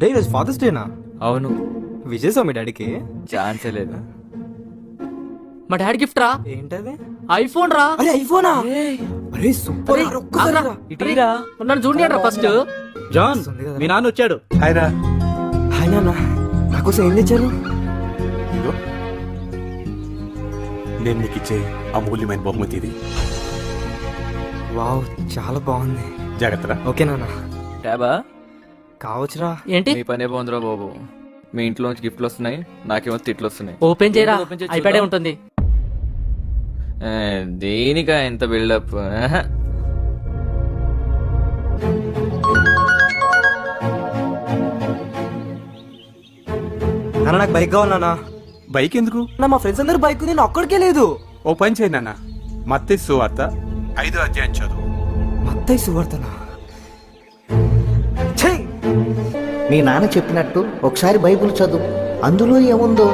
Day ఈరోజు fathers డేనా? అవును, విజయ్ మీ డాడీకి ఛాన్సే లేదు. మా డాడీ గిఫ్ట్ రా. ఏంటది? ఐఫోన్ రా. అరే ఐఫోనా? అరే సూపర్ అరే, రా, ఒక్కసారి రా. ఇటీరా నన్ను చూడండి ఫస్ట్. జాన్, మీ నాన్న వచ్చాడు. హాయ్ రా. హాయ్ నాన్న, నాకోసం ఏం తెచ్చారు? ఇదిగో, నేను నీకు ఇచ్చే అమూల్యమైన బహుమతి ఇది. వావ్, చాలా బాగుంది. జాగ్రత్త. ఓకే నాన్న. ట్యాబా కావచ్చురా. ఏంటి? మీ పనే బాగుందిరా బాబు. మీ ఇంట్లో నుంచి గిఫ్ట్లు వస్తున్నాయి, నాకేమో తిట్లు వస్తున్నాయి. ఓపెన్ చేయరా, ఓపెన్ చేయి ఐప్యాడే చూద్దాం. ఉంటుంది. దేనికా ఎంత బిల్డప్? నాన్న నాకు బైక్ కావాలి నాన్న. బైక్ ఎందుకు? మా ఫ్రెండ్స్ అందరు బైక్, నేను ఒక్కడికే లేదు. ఓ పని చేయి నాన్న, మత్తయి సువార్త 5వ అధ్యాయం చదువు. మత్తయి సువార్తనా? ఛీ! మీ నాన్న చెప్పినట్టు ఒకసారి బైబిల్ చదువు, అందులో ఏముందో.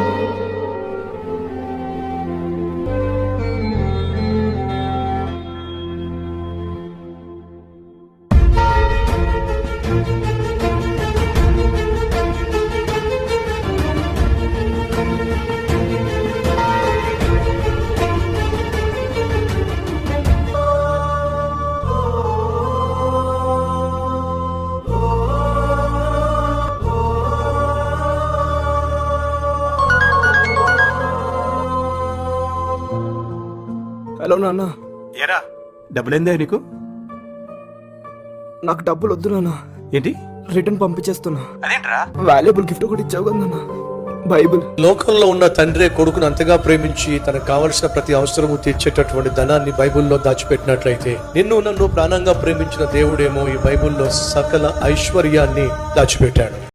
హలో నాన్న. ఏరా, డబ్బులేందా నీకు? నాకు డబ్బులు వద్దు నాన్న, ఏంటి? రిటర్న్ పంపించేస్తున్నా. అదేంట్రా? వాల్యుబుల్ గిఫ్ట్ కూడా ఇచ్చావు కదా నాన్న, బైబిల్. లోకంలో ఉన్న తండ్రే కొడుకును అంతగా ప్రేమించి తనకు కావలసిన ప్రతి అవసరము తీర్చేటటువంటి ధనాన్ని బైబిల్లో దాచిపెట్టినట్లయితే నిన్ను నన్ను ప్రాణంగా ప్రేమించిన దేవుడేమో ఈ బైబిల్లో సకల ఐశ్వర్యాన్ని దాచిపెట్టాడు.